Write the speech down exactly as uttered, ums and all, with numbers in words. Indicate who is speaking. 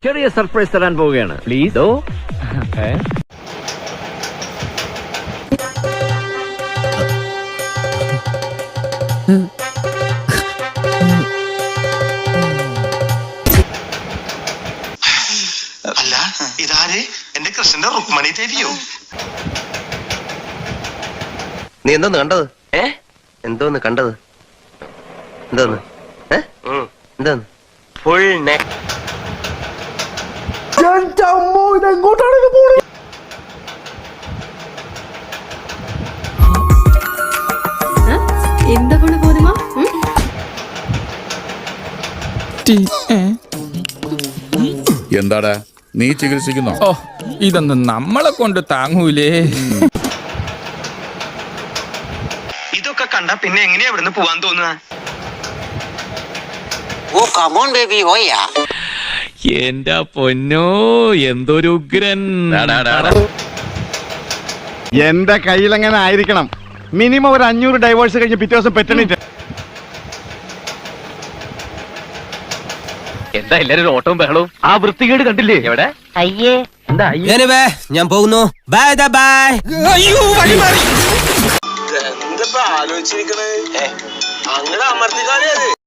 Speaker 1: ചെറിയ സർപ്രൈസ് തരാൻ പോവുകയാണ്. പ്ലീസ്. ഓ
Speaker 2: അല്ല, ഇതാര്? എന്റെ കൃഷ്ണന്റെ റുക്മണി ദേവിയോ?
Speaker 3: നീ എന്തോന്ന് കണ്ടത്? ഏ എന്തോന്ന് കണ്ടത്? എന്തോന്ന് എന്തോന്ന് ഫുൾ നെക്ക്.
Speaker 4: എങ്ങോട്ടാണ് ഇത് പോണത്?
Speaker 5: എന്താ കൊണ്ട് പോരുമോ?
Speaker 6: എന്താടാ നീ ചികിത്സിക്കുന്നോ?
Speaker 7: ഓ ഇതൊന്നും നമ്മളെ കൊണ്ട് താങ്ങൂലേ.
Speaker 2: ഇതൊക്കെ കണ്ട പിന്നെ എങ്ങനെയാ ഇവിടുന്ന് പോവാൻ തോന്നുക?
Speaker 1: എന്റെ പൊന്നോ, എന്തൊരു ഉഗ്രൻ.
Speaker 4: എന്റെ കയ്യിലെങ്ങനെ ആയിരിക്കണം മിനിമം ഒരു അഞ്ഞൂറ് ഡൈവേഴ്സ് കഴിഞ്ഞ് പിറ്റേ ദിവസം പെറ്റണിട്ട്.
Speaker 1: എന്താ എല്ലാരും ഓട്ടവും ബഹളവും? ആ വൃത്തികേട് കണ്ടില്ലേ? എവിടെ?
Speaker 3: അയ്യേ
Speaker 1: എന്താ
Speaker 3: ഞാൻ പോകുന്നു. Bye bye.
Speaker 2: എന്താ ആലോചിച്ചിരിക്കണേ? അങ്ങനെ അമർത്തിക്കാലേ